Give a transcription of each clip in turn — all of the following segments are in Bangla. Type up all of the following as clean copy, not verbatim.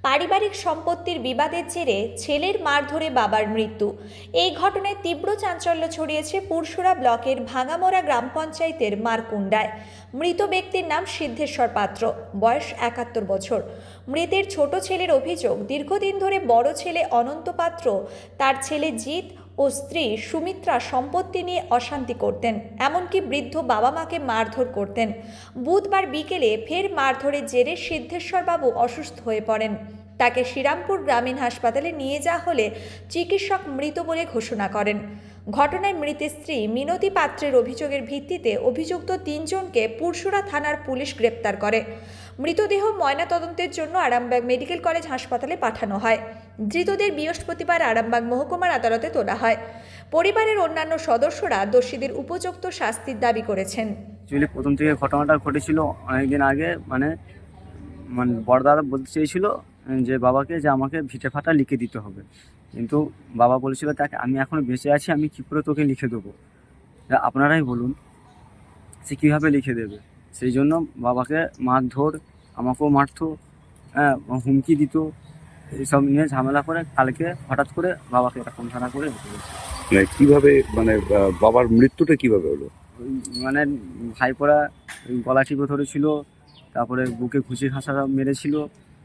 পারিবারিক সম্পত্তির বিবাদের জেরে ছেলের মারধরে বাবার মৃত্যু। এই ঘটনায় তীব্র চাঞ্চল্য ছড়িয়েছে পুরসুরা ব্লকের ভাঙামোড়া গ্রাম পঞ্চায়েতের মারকুন্ডায়। মৃত ব্যক্তির নাম সিদ্ধেশ্বর পাত্র, বয়স ৭১ বছর। মৃতের ছোট ছেলের অভিযোগ, দীর্ঘদিন ধরে বড় ছেলে অনন্ত পাত্র তার ছেলে জিৎ ও স্ত্রী সুমিত্রা সম্পত্তি নিয়ে অশান্তি করতেন, এমনকি বৃদ্ধ বাবা মাকে মারধর করতেন। বুধবার বিকেলে ফের মারধরের জেরে সিদ্ধেশ্বরবাবু অসুস্থ হয়ে পড়েন। তাকে শ্রীরামপুর গ্রামীণ হাসপাতালে নিয়ে যাওয়া হলে চিকিৎসক মৃত বলে ঘোষণা করেন। ঘটনায় মৃতের স্ত্রী মিনতি পাত্রের অভিযোগের ভিত্তিতে অভিযুক্ত ৩ জনকে পুরসুরা থানার পুলিশ গ্রেপ্তার করে। মৃতদেহ ময়নাতদন্তের জন্য আরামবাগ মেডিকেল কলেজ হাসপাতালে পাঠানো হয়। ধৃতদের বৃহস্পতিবার আরামবাগ মহকুমার আদালতে তোলা হয়। পরিবারের অন্যান্য সদস্যরা দোষীদের উপযুক্ত শাস্তির দাবি করেছেন। অ্যাকচুয়ালি প্রথম থেকে ঘটনাটা ঘটেছিল অনেকদিন আগে। মানে বড়দাদা বলতে চেয়েছিল যে বাবাকে যে আমাকে ভিটে ফাটা লিখে দিতে হবে, কিন্তু বাবা বলেছিল তাকে আমি এখনও বেঁচে আছি, আমি কী করে তোকে লিখে দেবো, আপনারাই বলুন সে কীভাবে লিখে দেবে। সেই জন্য বাবাকে মারধর, আমাকেও মারতো, হুমকি দিত, এইসব নিয়ে ঝামেলা করে কালকে হঠাৎ করে বাবাকে এরকম ধারা করে রেখে দিয়েছে। কিভাবে বাবার মৃত্যুটা কিভাবে হলো? মানে ভাইপোরা গলা টিপে ধরেছিল, তারপরে বুকে ঘুষি খাঁচা মেরেছিল,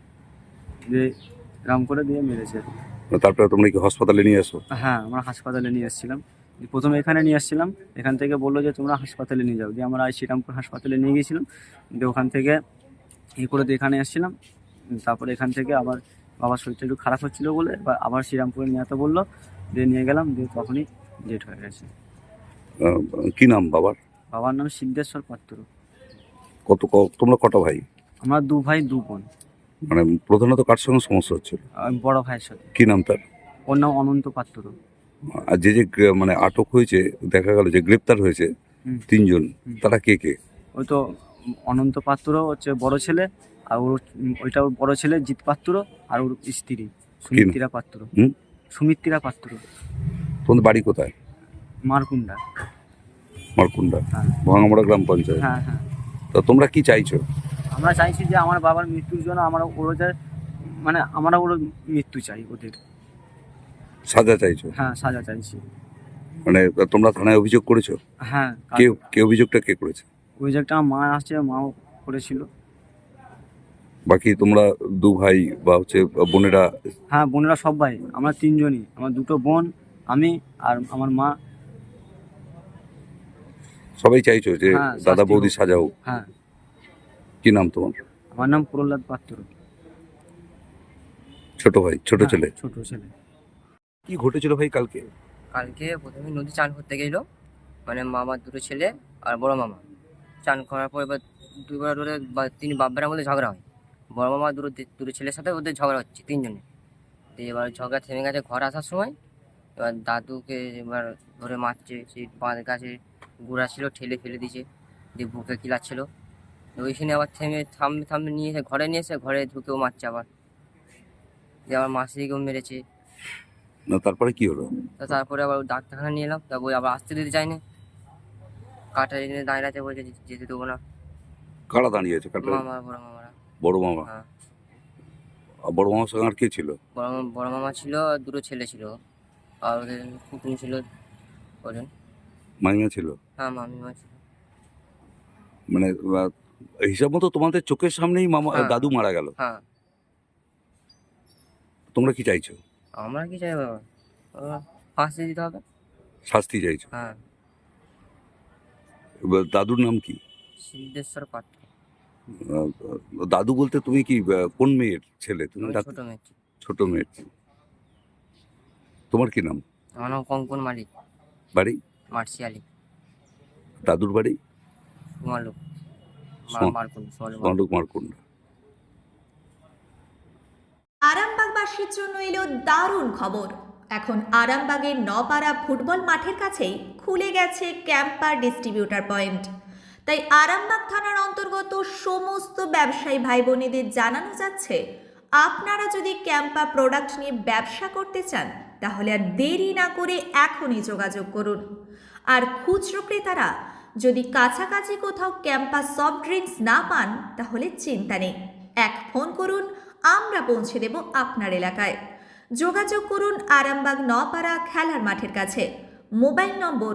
যে এরকম করে দিয়ে মেরেছে। তারপরে তোমরা কি হাসপাতালে নিয়ে আসো? হ্যাঁ, আমরা হাসপাতালে নিয়ে এসেছিলাম। প্রথমে এখানে নিয়ে আসছিলাম, এখান থেকে বললো যে তোমরা হাসপাতালে নিয়ে যাও, দিয়ে আমরা শ্রীরামপুর হাসপাতালে নিয়ে গেছিলাম। দিয়ে ওখান থেকে করে দিয়ে এখানে এসেছিলাম। তারপরে এখান থেকে আবার বাবার শরীরটা একটু খারাপ হচ্ছিলো বলে আবার শ্রীরামপুরে নিয়ে যেতে বললো, দিয়ে নিয়ে গেলাম। দিয়ে তখনই ডেট হয়ে গেছে। কি নাম বাবার? বাবার নাম সিদ্ধেশ্বর পাত্র। তোমরা কটা ভাই? আমরা 2 ভাই 2 বোন। মানে প্রধানত কার সঙ্গে সমস্যা হচ্ছিল? বড় ভাইয়ের সাথে। কি নাম তার? ওর নাম অনন্ত পাত্র। আর যে মানে আটক হয়েছে, দেখা গেল যে গ্রেপ্তার হয়েছে 3 জন, তারা কে কে? ওই তো অনন্ত পাত্র হচ্ছে বড় ছেলে, আর ওইটা ওর বড় ছেলে জিৎ পাত্র, আর ওর স্ত্রী সুমিত্রা পাত্র। সুমিত্রা পাত্র। তোমাদের বাড়ি কোথায়? মারকুন্ডা। মারকুন্ডা, হ্যাঁ। ভাঙামোড়া গ্রাম পঞ্চায়েত। হ্যাঁ হ্যাঁ। তা তোমরা কি চাইছো? আমরা চাইছি যে আমার বাবার মৃত্যুর জন্য আমরা ওর মৃত্যু চাই, ওদের সাজা চাইছো? হ্যাঁ, সাজা চাইছি। মানে তোমরা থানায় অভিযোগ করেছো? হ্যাঁ। কে অভিযোগটা কে করেছে? অভিযোগটা আমার মা আসছে, মাও করেছিল। বাকি তোমরা 2 ভাই বা বোনেরা? হ্যাঁ, বোনেরা সবাই, আমরা 3 জনই, আমার 2টো বোন, আমি আর আমার মা। সবাই চাইছো যে হ্যাঁ, দাদা বৌদি সাজা হোক? হ্যাঁ। কি নাম তোমার? আমার নাম প্রহ্লাদ পাত্র। ছোট ভাই, ছোট ছেলে? ছোট ছেলে। কি ঘটেছিল ভাই কালকে? কালকে প্রথমে নদী চান করতে গেল, মানে মামার 2টো ছেলে আর বড় মামা চান করার পর এবার 2বার ধরে 3 বাব্বারের মধ্যে ঝগড়া হয়। বড় মামা দুটো ছেলের সাথে ওদের ঝগড়া হচ্ছে 3 জনে। দিয়ে এবার ঝগড়া থেমে গেছে ঘর আসার সময়। এবার দাদুকে এবার ধরে মারছে, সেই বাঁধ গাছে গুড়া ছিল ঠেলে ফেলে দিয়েছে, দিয়ে বুকে কিলাচ্ছিল। ওইখানে আবার থামে নিয়ে এসে ঘরে নিয়ে এসে ঘরে ঢুকেও মারছে আবার। দিয়ে আমার মাসিকেও মেরেছে। না, তারপরে কি হলো? তারপরে আবার ডাক্তারখানা নিয়ে এলাম, তারপর আবার আসতে দিতে চাইনি, কাটা এনে দাঁড়িয়ে আছে, বলছে যেতে দেবো না। কারা দাঁড়িয়ে আছে? মামা, বড় মামারা। বড় মামা? হ্যাঁ। বড় মামার সঙ্গে আর কে ছিল? বড় মামা ছিল, আর 2টো ছেলে ছিল, আর ওদের কুকুর ছিল ওজন। মাইমা ছিল? হ্যাঁ, মামিমা ছিল। মানে হিসাব মতো তোমাদের চোখের সামনেই মামা হ্যাঁ। দাদু মারা গেল। হ্যাঁ। তোমরা কি চাইছো? আমরা কি চাই বাবা, ফাঁসি দিতে হবে। শাস্তি চাইছো? হ্যাঁ। এবার দাদুর নাম কি? সিদ্ধেশ্বর পাত্র। দাদু বলতে তুমি কি কোন মেয়ের ছেলে? তুমি ছোট মেয়ে। ছোট মেয়ের। তোমার কি নাম? আমার নাম কঙ্কন মালিক। বাড়ি? মার্শিয়ালি। দাদুর বাড়ি? সোমালুক মারকুন্ডা। আরামবাগবাসীর জন্য এলো দারুণ খবর। এখন আরামবাগের নপাড়া ফুটবল মাঠের কাছেই খুলে গেছে ক্যাম্পার ডিস্ট্রিবিউটার পয়েন্ট। তাই আরামবাগ থানার অন্তর্গত সমস্ত ব্যবসায়ী ভাই বোনেদের জানানো যাচ্ছে, আপনারা যদি ক্যাম্পা প্রোডাক্ট নিয়ে ব্যবসা করতে চান তাহলে আর দেরি না করে এখনই যোগাযোগ করুন। আর খুচরো ক্রেতারা যদি কাছাকাছি কোথাও ক্যাম্পা সফট ড্রিঙ্কস না পান তাহলে চিন্তা নেই, এক ফোন করুন আমরা পৌঁছে দেব আপনার এলাকায়। যোগাযোগ করুন আরামবাগ নপাড়া খেলার মাঠের কাছে। মোবাইল নম্বর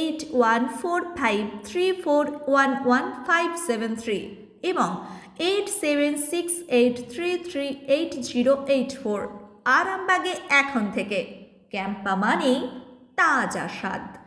814534115573 এবং 8768338084। আরামবাগে এখন থেকে ক্যাম্পা মানেই তাজা স্বাদ।